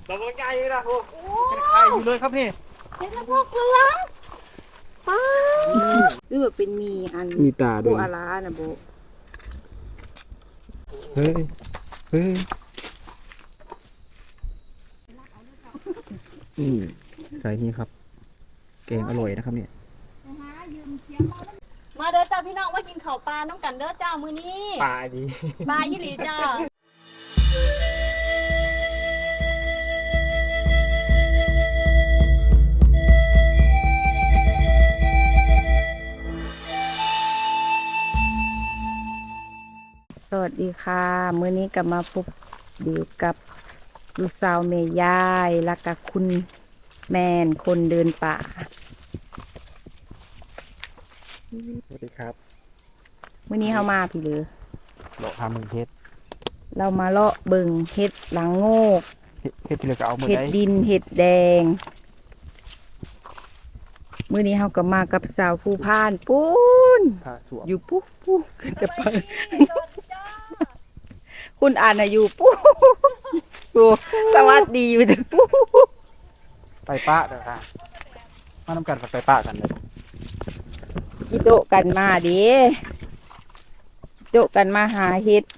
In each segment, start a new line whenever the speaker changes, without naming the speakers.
ตัวมันใหญ่เลยนะโอ้
เป็นไข่อยู่เลยครับนี่
เป็นพวกเรือป้าหรือว่าเป็นมีอัน
มีตาด้วย
โบอารานะโบ
เฮ้ยเฮ้ยนี่ใส่นี่ครับแกงอร่อยนะครับเนี่ย
มาเด้อจ้าพี่น้องมากินข้าวปลาน้องกันเด้อจ้ามื้อนี้
ปลาดี
ปลายี่หลีจ้าสวัสดีค่ะมื้อนี้กลับมาพบเดียวกับลูกสาวเมยายและกับคุณแมนคนเดินป่า
สวัสดีครับ
มื้อนี้เขามาพี่หรือ
เลาะทำมือเฮ็ด
เรามาเลาะเบิ่งเห็ดหลังโงก
เฮ็ดที่เหลือก็เอามือ
เห็ด
ได้
ดินเห็ดแดง มื้อนี้เขาก็มากับสาวผู้พานปูน
ผ้าสวม
อยู่ปุ๊บปุ๊บจะไปคุณอ่านอะอยู่ปุ๊บปุ๊บสวัสดีอยู่แต่ปุ๊บ
ไปป้าเด้อค่ะมาทำกันไปป้ากันเลย
จิโตะกันมาเดิโตะกันมาหาเห็ด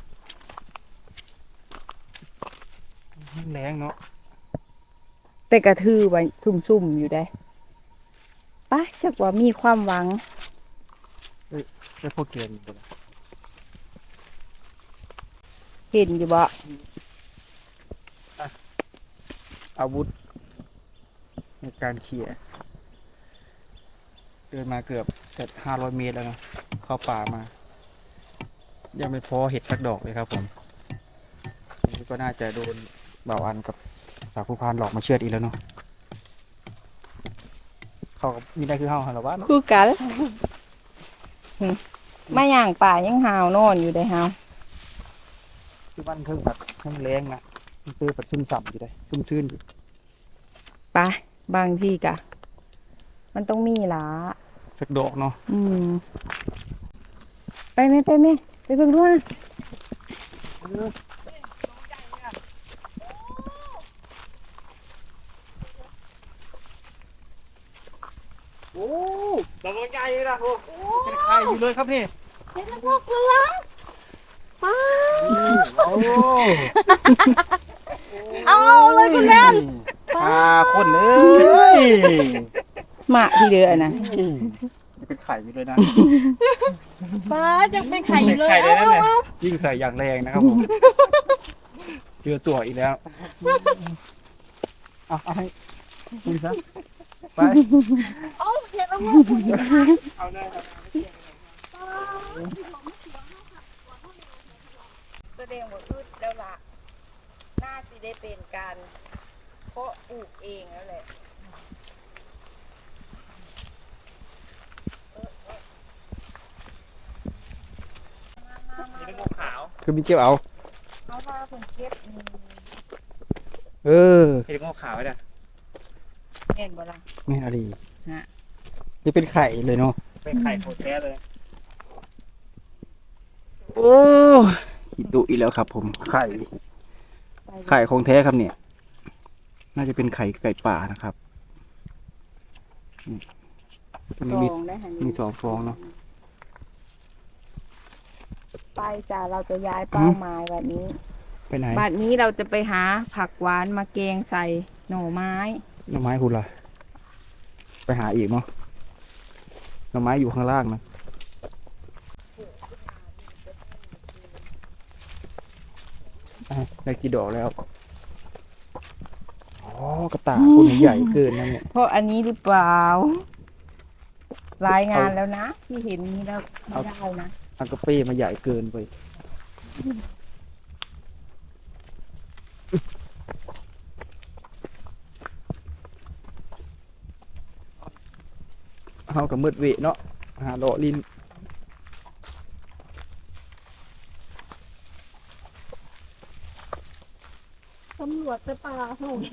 แรงเนาะ
แต่กระทือไว้ซุ่มๆอยู่ได้ป้าจักว่ามีความหวัง
ได้พวกเกลืออยู่บ่ล่ะ
เห็นอยู่บ่
อาวุธในการเขี่ยเดินมาเกือบ500 เมตรแล้วเนาะเข้าป่ามา ยังไม่พอเห็ดสักดอกเลยครับผมนี่ก็น่าจะโดนบ่าวอันกับสาวผู้พานหลอกมาเชือดอีกแล้วเนาะเขาก็มีได้คือเฮาหรอวะเนาะ
คือกันมาย่างป่ายังหาวนอนอยู่ได้หาว
ที่บ้านเพิ่งแบบเพิ่งแรงนะมันตื้อปัดซึมสับอยู่ได้ซึมซื่นอยู่
ไปบางที่กะ มันต้องมีหลา
สักดอกเนาะ
ไปไหมไปไหมไปเบิ่งด้วย
โอ้ตัวมันใหญ่เลยนะโอ้
เป็นไข่อยู่เลยครับนี่
เป็นพวกเรือป้า
โอ้
เอาเลยคุณแม่
พาคนเลย
มาที่เดือนะ
เป็นไข่อยู่เลยนะ
ป้าจะเป็นไข่เลย
ไข่เลยนั่นแหละ
ยิ่งใส่อย่างแรงนะครับผมเจอตัวอีกแล้วเอาให้นี่ซะไป
เอาเห็นแล้ว
เอาได้ครับ
แสดงว่าอึดแล้วล่ะน่าจะได้เป็นการเพาะปลูกเองแล้วแหละ
มีลูกขาว
คือมีเกี่ยวเอา
เอาว่าผมเก็บ
เออ
เห็ดงอกขาวไว้เนี่ย
เห็นบ่ล่ะ
แม่นอะไร
ฮะ
นี่เป็นไข่เลยเนาะ
เป็นไข่โคตรแท้เลย
โอ้หิดุอีกแล้วครับผมไข่ของแท้ครับเนี่ย น่าจะเป็นไก่ป่านะครับนี่มี
ฟองได้ค่ะ
มี2 ฟองเนาะ
ไปจ้าเราจะย้ายเป้าหมายแบบนี้
ไปไหน
บัดนี้เราจะไปหาผักหวานมาแกงใส่หน่อไม้
หน่อไม้คุณล่ะไปหาอีกเนาะหน่อไม้อยู่ข้างล่างนะอ่ะได้กี่ดอกแล้วอ๋อกระต่ายคุณใหญ่เกินนะเนี่ย
เพราะอันนี้หรือเปล่า รายงานแล้วนะ ที่เห็นนี้แล้วไม่ได้นะ
อังกะเป้มาใหญ่เกินไปเอากับมืดเวะเนาะหาเลาะลิ้น
ตำรวจจะปลาถูก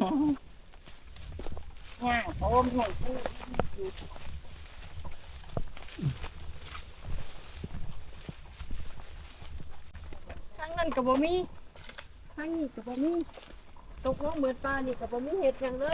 ย่างโอมห่วยพูดทั้งนั้นกับบ่มีทั้งนี้กับบ่มีตกลงเหมือนปลานี่ก็บ่มีเห็ดหยังเลย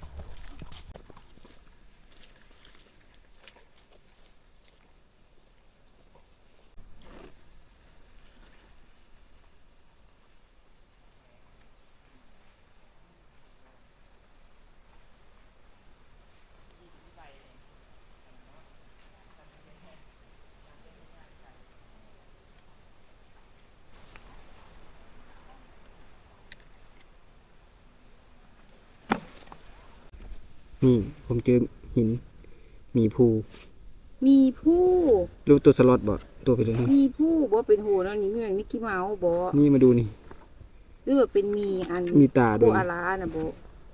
นี่ผมเจอหินหมีภู
มีผู้
รูปตัวสล็อตบ่ตัวไปเลย
มีผู้บ่เป็นโหแล้วนี่เหมือนมิกกี้เมาส์บ่
นี่มาดูนี่
หรือว่าเป็นมีอัน
มีตาด้วย
ผู้อาลาน่ะบ่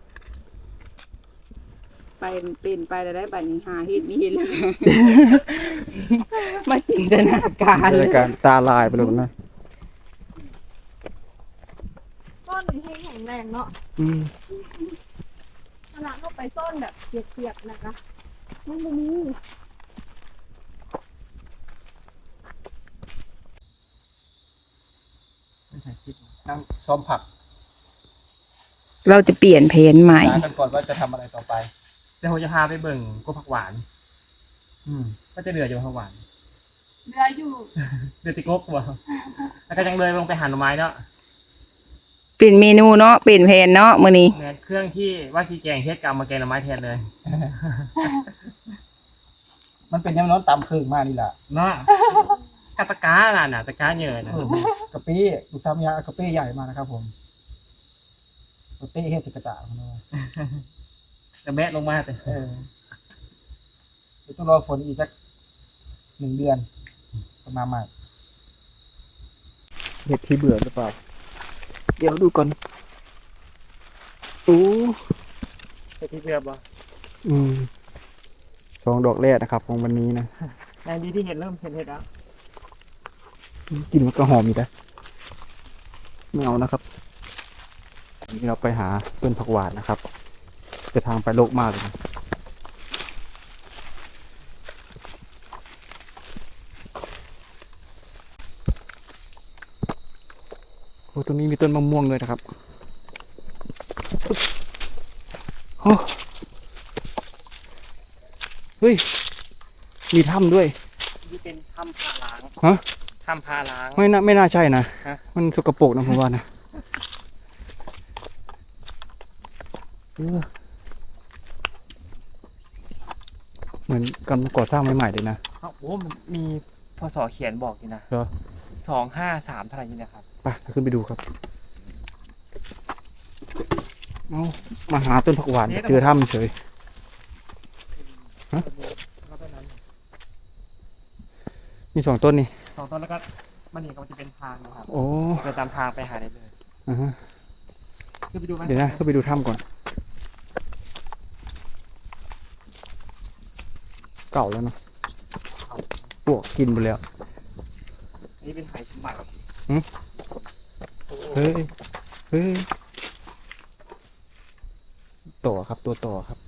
ไปเป็นไปแล้วได้บัดนี้หาเฮ็ดมีเห็นแล้ว มาจินตนาการเลย
การตาลายไปเลยนะ
ต้นแห้งแรงเนาะ
อืม
ขนาดเข้าไปต้นแบบเปียกๆนะคะมันบ่มี
นั่งซ้อมผัก
เราจะเปลี่ยนเพนใหม่
ตากันก่อนว่าจะทำอะไรต่อไปเดี๋ยวผมจะพาไปเบิ่งกบผักหวาน ก็จะเหลืออยู่ผักหวาน
เหลืออยู่
เดือดติกบว่ะแล้วก็ยังเลยลงไปหั่นหน่อไม้เนาะ
เปลี่ยนเมนูเนาะเปลี่ยนเพนเนาะมื้อนี้
แทนเครื่องที่ว่าซีแกงเฮ็ดกรรมมาแกงหน่อไม้แทนเลย
มันเป็นยังน้องตำเครื่องมากนี่แหละ
เนาะกะตะกาน่ะตะกาเยอะนะ
กะปิลูกสาวมียากะปิใหญ่มานะครับผมกะปิเฮ็ดสิกระจ่างของเรา
จะแมะลงมาแต่
เออเดี๋ยวต้องรอฝนอีกสัก1 เดือนจะมาใหม่
เห็ดที่เบื่อหรือเปล่า เดี๋ยวดูก่อนอู้
เฮ็ดที่เบื่อบ่
สองดอกแรกนะครับของวันนี้นะ
ในดีที่เห็นเริ่มเห็นเห็ดแล้ว
กลินมันก็หอมอยู่นะไม่เอานะครับนี่เราไปหาต้นผักหวานนะครับจะทางไปโลกมากเลยนะโอ้ตรงนี้มีต้นมะม่วงเลยนะครับโอ้เฮ้ยมีถ้ำด้วย
นี่เป็นถ้ำพาล้าง
ฮะ
ถ้ำพาล้าง
ไม่น่าใช่นะ
ฮะ
มันสกปรกนะผมว่านะเออเหมือนกำลังก่อสร้างใหม่ๆเลยนะ
โอ้มันมีพศเขียนบอกอยู่นะ
เหรอ
253เท่าไหร่นี่นะครับ
ไปขึ้นไปดูครับเอามาหาต้นผักหวานเจอถ้ำเฉย
แล้วก็นั้น
มี2 ต้นนี่
2ต้นแล้วก็มันนี่ก็จะเป็นทางนะครับ
โอ้
เดินตามทางไปหาได้เลย
อ่าฮะ
ขึ้นไปดูไหม
เดี๋ยวนะขึ้นไปดูถ้ำก่อน เก่าแล้วเนาะปลวกกินไปแล้ว
อันนี้เป็นไหสมบัติ
หืม เฮ้ย เฮ้ย ต่อครับ ตัวต่อครับ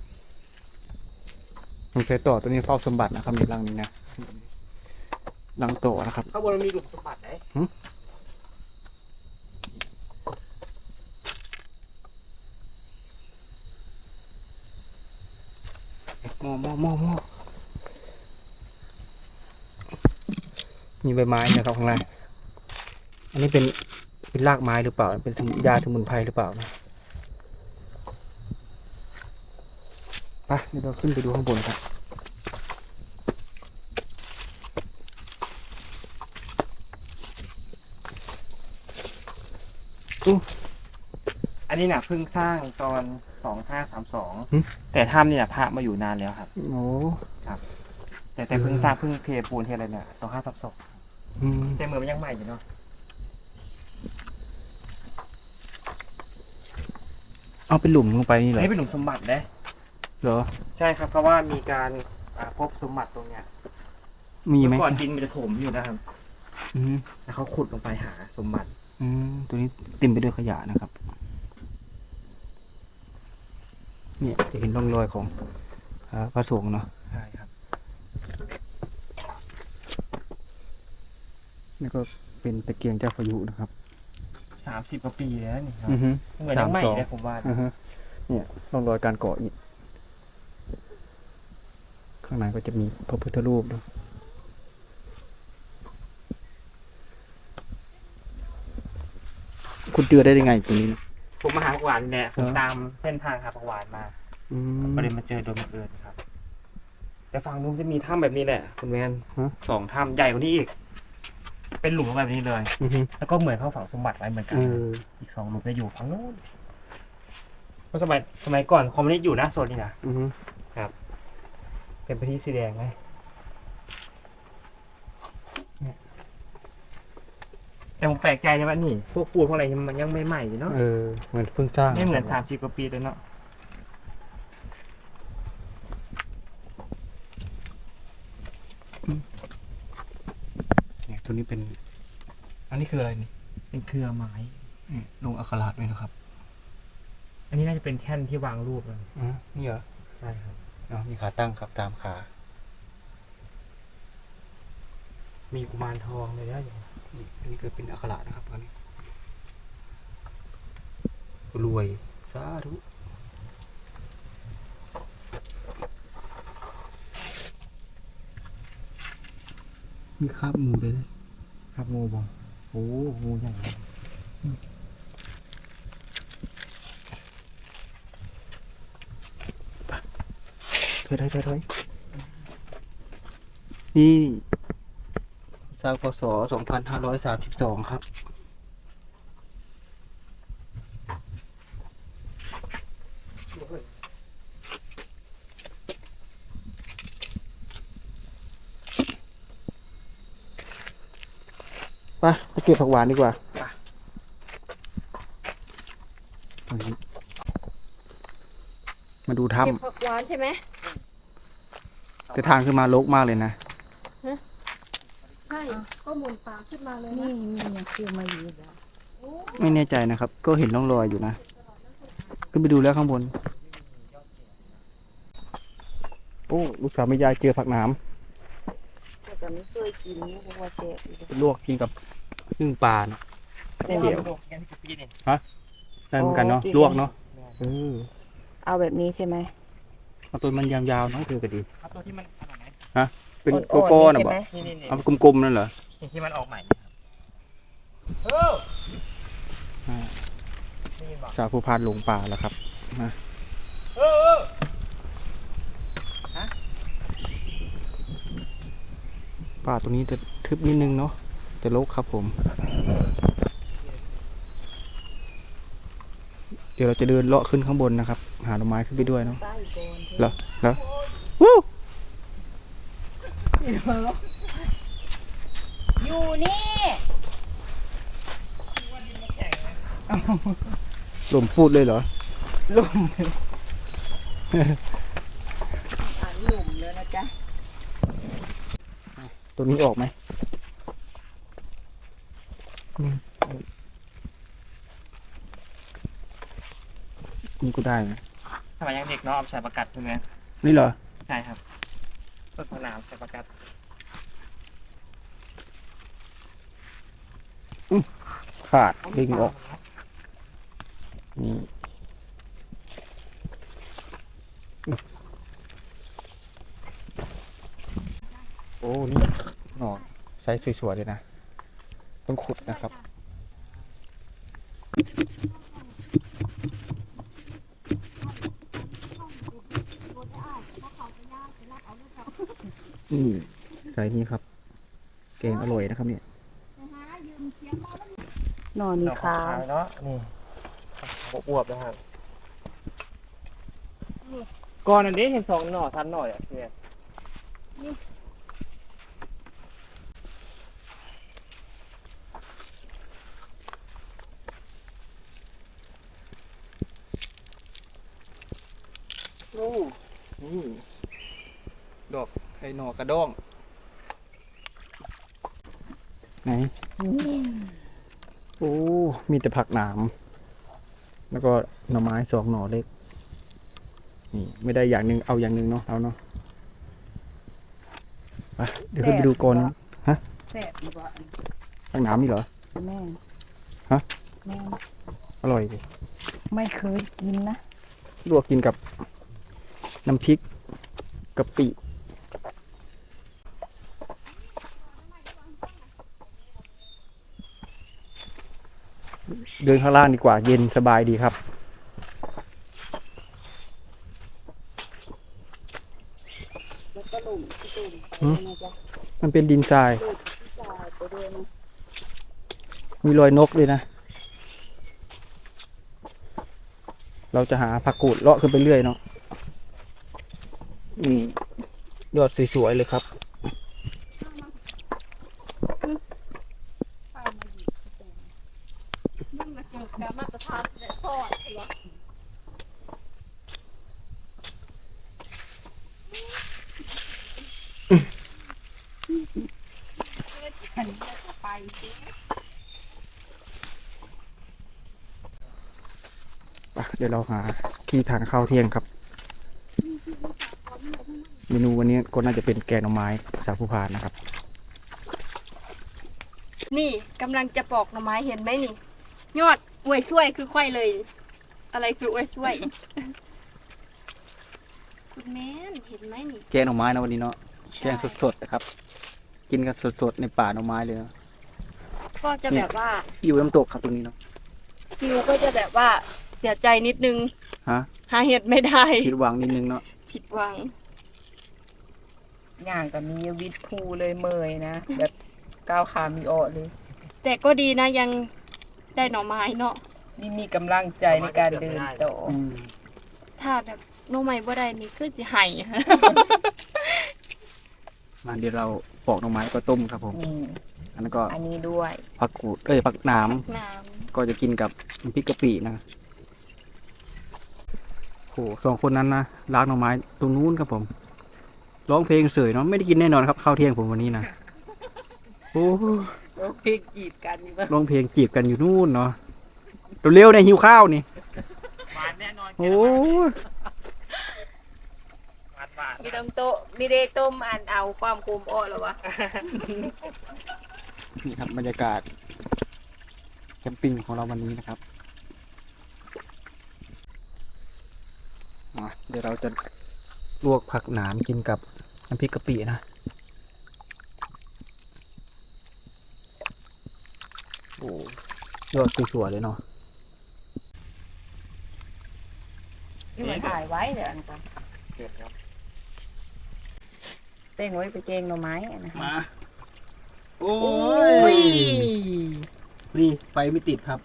ผมใช้ต่อตัวนี้เฝ้าสมบัตินะครับในรังนี้นะรังต่อนะครับ
ข้างบนมันมีหลุมสมบัติไหน
หม้อมีใบไม้นะครับข้างล่าง อันนี้เป็นรากไม้หรือเปล่า เป็นยาสมุนไพรหรือเปล่านะไปเดี๋ยวเราขึ้นไปดูข้างบนครับ
อันนี้น่ะเพิ่งสร้างตอน 2532แต่ถ้ำเนี่ยพระมาอยู่นานแล้วครับ
โอ้
แต่เพิ่งสร้างเพิ่งเทปูนเทอะไรเนี่ย2532
อืม
แต่เหมือนมันยังใหม่อยู่เนาะ
เอาเป็นหลุมลงไปนี่เหร
อัน
อ
นี้เป็นหลุมสมบัตินะ
เหรอ
ใช่ครับเพราะว่ามีการพบสมบัติตรงเนี้ย
มีไหม
เมื่อก่อนดินมันจะถมอยู่นะครับ
อืม
แล้วเขาขุดลงไปหาสมบัติ
ตัวนี้เต็มไปด้วยขยะนะครับ เนี่ยจะเห็นร่องรอยของพระสงฆ์เนาะ
ใช่ครับ
นี่ก็เป็นตะเกียงเจ้าพายุนะครับ
ส 30 กว่าปีแล้วนี่ครับ
อือฮึ
เหมือนยังใหม่เลยผมว่า
อือฮึเนี่ยร่องรอยการก่ออิฐข้างในก็จะมีพระพุทธรูปนะคุณเจอได้ยังไงตรงนี้นะ
ผมมาหาผักหวานเนี่ยผม
เหรอ
ตามเส้นทางหาผักหวานมา
อืม
ก็เลยมาเจอโดยบังเอิญครับ แต่ฝั่งนู้นจะมีถ้ำแบบนี้แหละคุณแมน
ฮะ
2 ถ้ำใหญ่กว่านี้อีก เป็นหลุมแบบนี้เลย
อือฮึ
แล้วก็เหมือนเขาฝังสมบัติไว้เหมือนกัน อีก 2 หลุมจะอยู่ฝั่งนู้นเพราะสมัยก่อนคอมมิวนิสต์อยู่นะโซนนี้นะ
อือฮึ
เป็นพื้นที่สีแดงไหมเนี่ยแต่ผมแปลกใจนะว่านี่ พวกปูนพวกอะไรมันยังไม่ใหม่อยู่เนาะ
เหมือนเพิ่งสร้าง
ไม่เหมือน30 กว่าปีเลยเนาะ
เนี่ยตัวนี้เป็น อันนี้คืออะไรนี่
เป็นเครือไม้
ลงอักขระด้วยนะครับ
อันนี้น่าจะเป็นแท่นที่วางรูปเลย
นี่เหรอ
ใช่ครับ
มีขาตั้งครับตามขา
มีกุมารทองเลยนะอย่าง
นี่อันนี้คือเป็นอักขระนะครับอันนี้รวยสาธุมีคาบงูด้วยนะครับ
งูบองโอ้งูใหญ่เลย
ถอยนี่สร้างพศ2532ครับไปเก็บผักหวานดีกว่ามาดูถ้
เก็บผักหวานใช่ไหม
ำแต่ทางขึ้นมารกมากเลยนะ
ใช่ ก็หมุนปากขึ้นมาเลย
นี่
นะ
นี่ยังคือมาอยู่เลย
ไม่แน่ใจนะครับ ก็เห็นร่องรอยอยู่นะ ขึ้นไปดูแล้วข้างบน โอ้ ลูกสาวแม่ยายเจอผักหนาม
แต่ไม่เคยกินเพราะว่าแจกอยู่
ลวกกินกับนึ่งปลาเนาะ
เดี๋ยวกันที่ปีนี่
ได้เหมือนกันเนาะ ลวกเนาะเออ
เอาแบบนี้ใช่ไหม
เอาตัวมันยาวๆเนาะคือก็ดี
เอาตัวที่มันขนาดไหน
เป็น
อ่อนๆ
โก้ๆนะ
ใช่
บอ
ไหม
ก
นี่
เอากลมๆนั่นเหรอ
นี่ที่มันออกใหม่นี่บอก
สาวผู้พานหลงป่าแล้วครับมาป่าตรงนี้จะทึบนิดนึงเนาะ จะรกครับผม เดี๋ยวเราจะเดินเลาะขึ้นข้างบนนะครับ หาหน่อไม้ขึ้นไปด้วยเนาะ
ใต้ก่อน
เหรอเหรอวู้
อยู่นี่
ลมพูดเลยเหรอ
อ่านหลุมเลยนะจ๊ะ
ตัวนี้ออกไหมนี่ก็ได้นะ
สมัยยังเด็กเนาะเอาไปใส่ประกัดใช่ไหม
นี่เหรอ
ใช่ครับต้นมะนาวใส่ประกัด
ขาดดึงออก นี่โอ้ นี่หน่อไซส์สวยๆเลยนะ ต้องขุดนะครับ นี่ไซส์นี้ครับ เกงอร่อยนะครับเนี่ย
นอนนี่ขาว
เนาะนี่อวบๆนะครับก่อนอันนี้เห็น2 หน่อ3 หน่ออ่ะเนี่ย
โอ้นี่ ดอกไอ้หน่อกระด้งไหน โอ้ มีแต่ผักหนาม แล้วก็หน่อไม้2 หน่อเล็ก นี่ ไม่ได้อย่างหนึ่งเอาอย่างหนึ่งเนาะเอาเนาะไปเดี๋ยวขึ้นไปดูก่อน
แซ่บดีกว่า
ผักหนามนี่เหรอ
แม่
ฮะ
แม่น
อร่อยดิ
ไม่เคยกินนะ
ลวกกินกับน้ำพริกกะปิเดินข้างล่างดีกว่าเย็นสบายดีครับ
แล้วก็หลุมที่ตุ่ม
หืม
นะจ๊ะ
มันเป็นดินทราย
หลุมที่จ่ายไปด้วยนะ
มีรอยนกด้วยนะ เราจะหาผักกูดเลาะขึ้นไปเรื่อยเนาะนี่ยอดสวยๆเลยครับ
มันมาเกี่ยวกับมาตรฐานและทอดเหรอ
อันนี้จะไปสิ
เดี๋ยวเราหาที่ทานข้าวเที่ยงครับ เมนูวันนี้ก็น่าจะเป็นแกงหน่อไม้สาคูพานนะครับ
นี่กำลังจะปอกหน่อไม้เห็นไหมนี่ ยอดอวยช่วยคือค่อยเลย อะไรคืออวยช่วย คุณแม่นเห็นไหมนี่
แกงหน่อไม้นะวันนี้เนาะแกงสดๆนะครับ กินกันสดๆในป่าหน่อไม้เลยนะ
ก็จะแบบว่า
อยู่น้ำตกครับตรงนี้เนาะ
ฟิวก็จะแบบว่าเสียใจนิดนึง
ฮะ
หาเห็ดไม่ได้
ผิดหวังนิดนึงเนาะ
ผิดหวัง
อย่างกับมีวิทย์ภูเลยเมยนะ แบบก้าวขามีออเลย
แต่ก็ดีนะยังได้หน่อไม้เนาะ
นี่มีกำลังใจในการเดินต่อ
ถ้าแบบหน่อไม้บ่ได้นี่คือสิไห้
มาเดี๋ยวเราปอกหน่อไม้ก็ต้มครับผม
นี่
อันนั้นก็
อันนี้ด้วย
ผักกูดผักหนาม
น้
ก็จะกินกับน้ำพริกกะปินะโหสองคนนั้นนะล้างหน่อไม้ตรงนู้นครับผม ร้องเพลงเสยเนาะไม่ได้กินแน่นอนครับข้าวเที่ยงผมวันนี้นะโอ้
พริกจีบกันนี่ป่ะ
ร้องเพลงจีบกันอยู่นู่นเนาะเร็วๆเนี่ยหิวข้าวนี่
หวานแน่นอน
โอ้
หวานหวาน
มีต้มโตะมีได้ต้มอันเอาความคุมออหรอวะ
นี่ครับบรรยากาศแคมปิ้งของเราวันนี้นะครับเดี๋ยวเราจะลวกผักหนามกินกับน้ำพริกกะปินะโอ้ยอดสวยๆเลยเนาะ
นี่มันถ่ายไว้เดี๋ยวอันก่อน
เกิดครับ
เต้งไว้ไปเกงหน่อไม้นะ
มาโอ้
ย
นี่ไฟไม่ติดครับ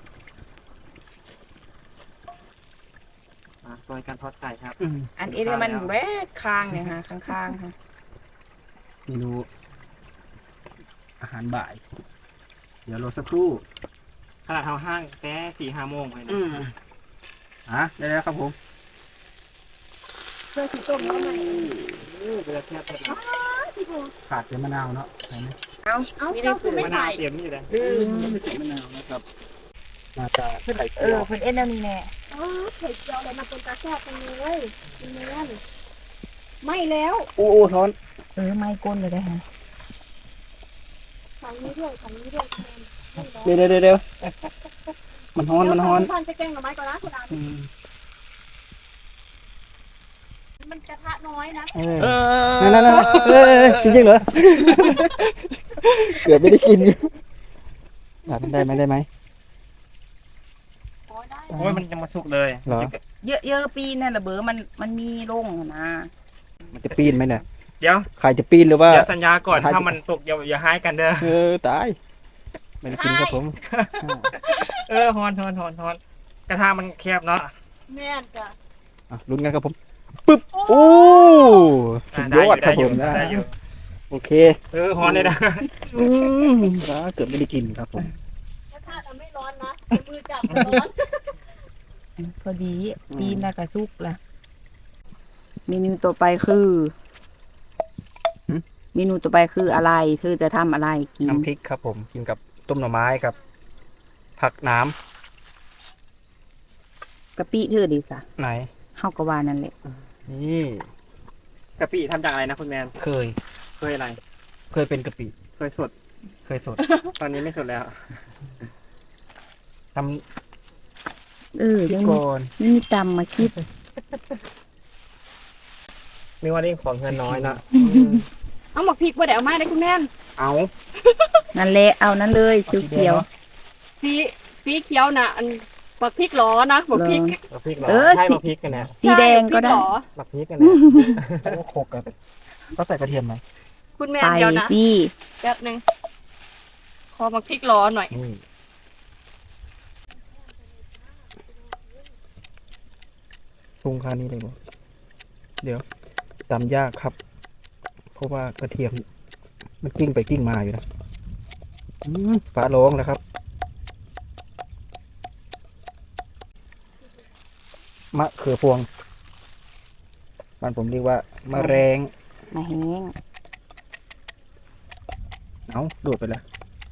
มาซอยการทอดไก่ครับ
อันนี้มันแวกคางเนี่ยฮะข้างๆค่ะ
เมนูอาหารบ่าย เดี๋ยวรอสักครู่
ขนาดเท้าห้างแต่4-5 โมงเลยนะ
ได้แล้วครับผม
ำเพื่อสิต้มหน่อไม้
เวลาเทียบกัน
ขาดเป็นมะนาวเนาะใช่ไหม
เอา
เอ้า
ไม่ได้
เจ้าคื
ฝื
อน ไม่
มะนาว
ถ่าย
เตรียมนี่เลย
ดื้อ
ใส่มะนาวนะครับมาจากไข่
เอ
เจีย
อ
ว
เพิ่นเอ็นเอานี่แน่
อ๋อไข่เจียวเลยมาเป็นตาแซ่บกันเลยคุณแม่นไม่แล้ว
โอ้ท้อน
ไม่ก้นเลยได้ฮะ
ฝั่งนี้ด้วยฝั่งนี้ด้วยแทนไม่แล้ว
เดี๋ยวมันฮ้อนมันฮ้อน
ท่านจะแกงหน่อไม้ก่อนนะคุณอา
อืม
มันกระทะน้อยนะ
นั่นจริงๆเหรอ เกือบไม่ได้กินได้ไหม
โอ้ยได้
โอ้ยมันยังมาสุกเลย
เหรอ
เยอะๆปีนั่นละเบอมันมีลงนะ
มันจะปีนไหมเนี่ย
เดี๋ยว
ใครจะปีนหรือว่า
เดี๋ยวสัญญาก่อนถ้ามันตกอย่าหายกันเด้อ
ตาย ไม่ได้กินครับผม
ฮอนกระทะมันแคบเนาะ
แม่นจ้ะ
ลุ้นกันครับผม ปึ๊บ โอ้สุดยอดครับผม
ได้อยู่
โอเค
ฮอนเลยนะ
เกือบไม่ได้กินครับผม
กระทะมันไม่ร้อนนะมือจับมันร้อน
พอดีปีนแล้วก็สุกละเมนูต่อไปคือเมนูต่อไปคืออะไรคือจะทำอะไรกิน
น้ำพริกครับผม กินกับต้มหน่อไม้กับ ผักน้
กะปิเธอดีสะ
ำไหน
เฮาก็ว่านั่นแหละ
นี่
กะปิทำจากอะไรนะคุณแมน
เคย
เคยอะไร
เคยเป็นกะปิ
เคยสด
เคยสด
ตอนนี้ไม่สดแล้ว
ต
ยั
ำ
ง
ก่อน
มีตำมาคิด
ไม่ว่าเรื่องของเงินน้อยนะ
เอาหมกพริกบ่ได้เอามาได้คุณแม่น
เอา
นั่นแหละเอานั่นเลยเขียว
สีเขียวน่ะอันหมกพริกหรอนะหมกพริก
บักพริกเหรอ
เออ
ใช่บักพริกกันนะ
ๆสีแดงก็ได้
ใช่หมพริหรอ
บักพริกกันนะ
โอ้โขกกันก็ใส่กระเทียมไหม
คุณแม่น
ใส่
เดียวนะ
สิ
แป๊บนึงขอหมกพริกหรอหน่อย
ปรุงคานี้เลยบ่เดี๋ยวตำยากครับ เพราะว่ากระเทียม มันกิ้งไปกิ้งมาอยู่นะฝาโลงแล้วครับมะเขือพวงบ้านผมเรียกว่ามะแรง
มาแห้ง
เอาโดดไปแล้ว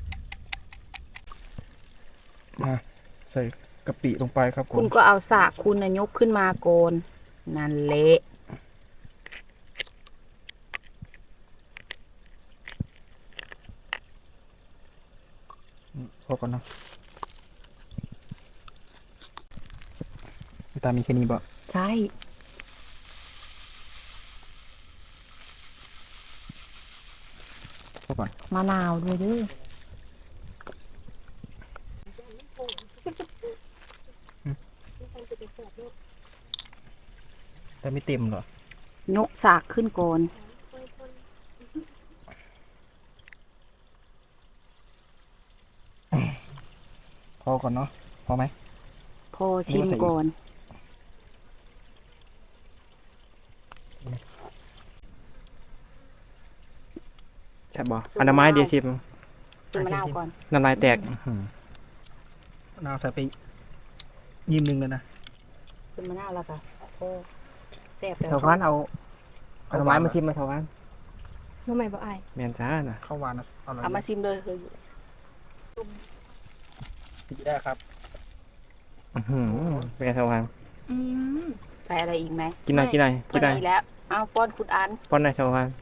มาใส่กะปิลงไปครับผ
คุณ
ม
ก็เอาสากคุณน่ะยกขึ้นมาโกนนั่นแหละ
พอก่อนเนาะตามีแค่นี้บ่
ใช่
พอก่อน
มะนาวด้วยเด้อ
แต่ไม่เต็มเหรอย
กสากขึ้นก่อน
พอก่อนเนาะพอไหม
พอชิมก่อน
ใช่บ่อันน้ำไม้เดียวชิม
ชิมมะนาวก่อน
น้ำลายแตก
มะนาวใส่ไปยิ้มหนึ่งเลยนะ
ชิมมะนาวแล้วก็โอ้แซ่บแล้ว
ชาวบ้านเอาน้ำไม้มาชิมมาชาวบ้าน
ทำไมบ่อาย
แมนจ้าน่ะ
ข้าวหวานนะอร่อย
เอามาชิมเลยคือ
ได้ครับ
เป็นไงชาวบ้าน
อืม
ใส่อะไรอีกไหม
กินหน่อยกินหน่อย
พ
กิ
อน
หน่อย
ดีแล้วเอาป้อนคุณอัน
ป้อนหน่อยชาวบ้าน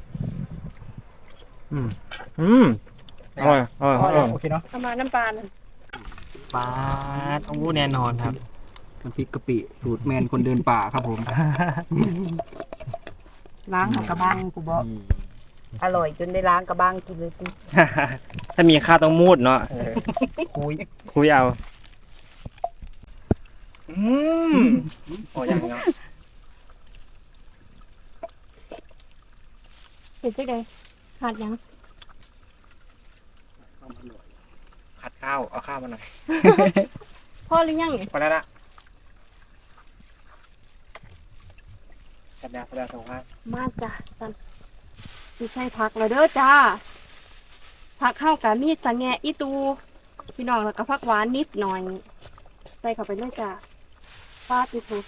อร่อยอร่อย
โอเคเนาะ
เอามาน้ำปลาหน่อย
ปลาโอ้แน่นอนครับ
น้ำพริกกะปิสูตรแมนคนเดินป่าครับผม
ล้างกับกระบังกูบอกอร่อยจนได้ล้างกระบังกินเลยกู
ถ้ามีข้าวต้องมูดเนาะ
คุย
คุยเอาโอ้ยังเนาะ
เห็นจังไดขาดยัง
ขัดข้าวเอาข้าวมาหน่อย
พ่อหรือยังนี่
พอแล้วละสัญญาสองห้า
มาจ้ะสันสิใส่ผักแล้วเด้อจ้าผักเข้ากับมีดสะแงะอีตูพี่น้องแล้วก็ผักหวานนิดหน่อย ใส่เข้าไปเลยจ้าฟาดอีตู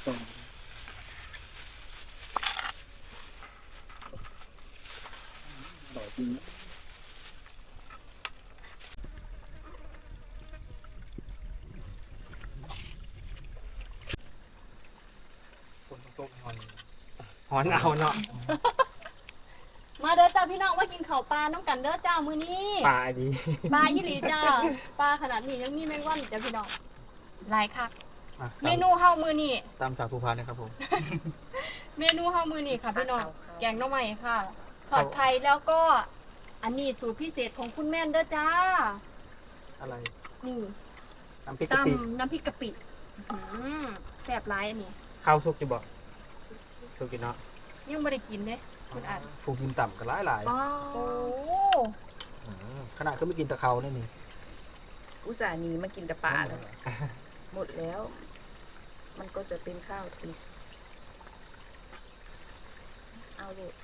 หอนเอาเนาะ
มาเด้อจ้าพี่น้องมากินข้าวปลาน้ำกันเด้อจ้ามื้อนี้
ปลาดี
ปลายี่หลีจ้าปลาขนาดนี้ยังมีแมงวันอีกจ้าพี่น้องหลายคักเมนูเฮามื้อนี้
ตามจากภูพานนะครับผม
เมนูเฮามื้อนี้ค่ะพี่น้องแกงหน่อไม้ค่ะทอดไข่แล้วก็อันนี้สูตรพิเศษของคุณแม่นเด้อจ้า
อะไร
นี่
น้ำพริกกะปิ
ตำน้ำพริกกะปิอื้อหือแซ่บหลายอันนี้
ข้าวสุกจะบอกสุกกินเนาะ
ยังไม่ได้กินเลยคุณอัน
ผูกินต่ำกันหลาย
โอ้
ขนาดก็ไม่กินตะเขาเนี่ยนี่
อุตส่าห์หนีมากินแต่ปลาเลยหมดแล้ว มันก็จะเป็นข้าวทิพย์เอาเลย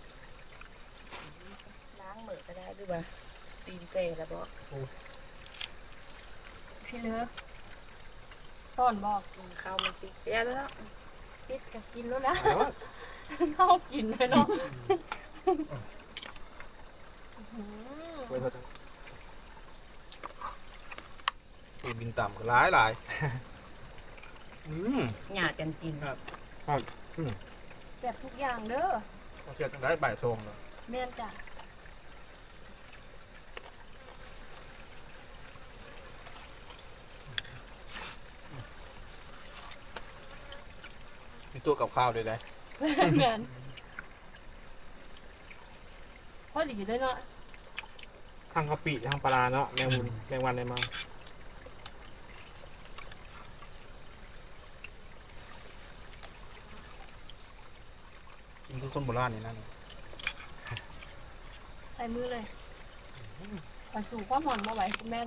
ล้างมือก็ได้ด้วยว่าตีนเปรแล้วบอก
พี่เลือซ่อนบอก
กินข้าวมันติดเสียแล้ว
พิษกับกินแล้วนะเข้ากินเลยเนาะอื้อหือ
ผูกินต่ำกันหลาย
หยาดกันกิน
แซ่บทุกอย่างเด้อ
เชื่อกันได้บ่ายโมงเลย
แม่นจ้ะ
มีตัวกับข้าวด้วยได้
แม่นพอดีด้วยเนาะ
ทางกะปิทางปลาร้าเนาะแมงมุนแมงวันอะไรมา
กินคือคนโบราณนี่นั่น
ใส่มือเลยไปสู่ความหอนมาไหวคุณแม่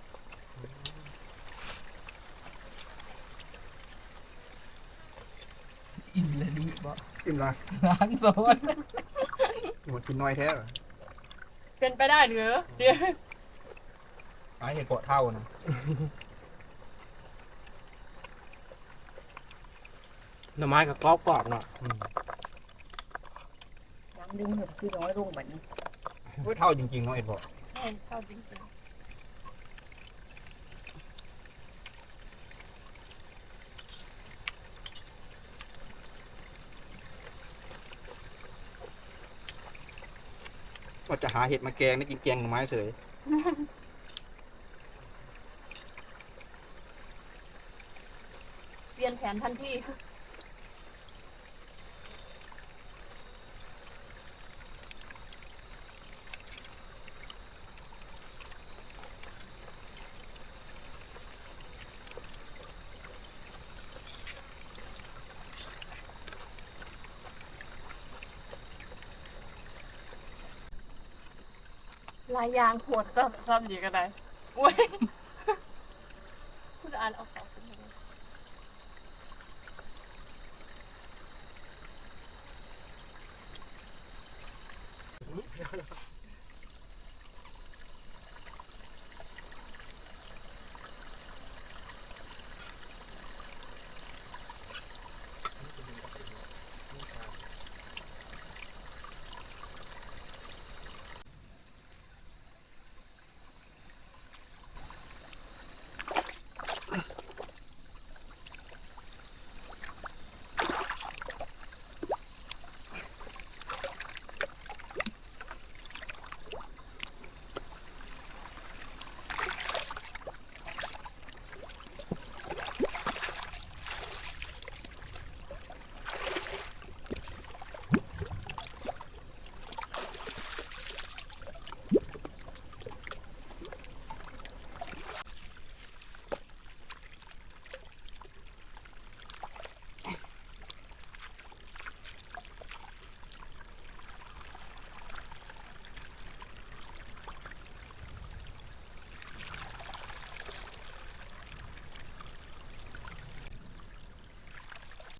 อิ่มเลยนี่บ่อิ่มละ
ล้างโซน
หมดกินน้อยแท้เหรอ
เป็นไปได้หรือเดี๋ยว
หาเห็ดเกาะเท่านะ
หน่อไม้กับกรอบเนาะ
ยังดึงเห็ดคือน้อยลงแบบนี้
เฮ้ยเท่าจริงๆเนาะเห็ดเกาะ
ใช่เข้าจริง
ว่าจะหาเห็ดมาแกงได้กินแกงหน่อไม้เฉย
เปลี่ยนแผนทันที ลายยางโหดซ้ำอยู่กันได้โอ้ย คุณอ่านเอาของ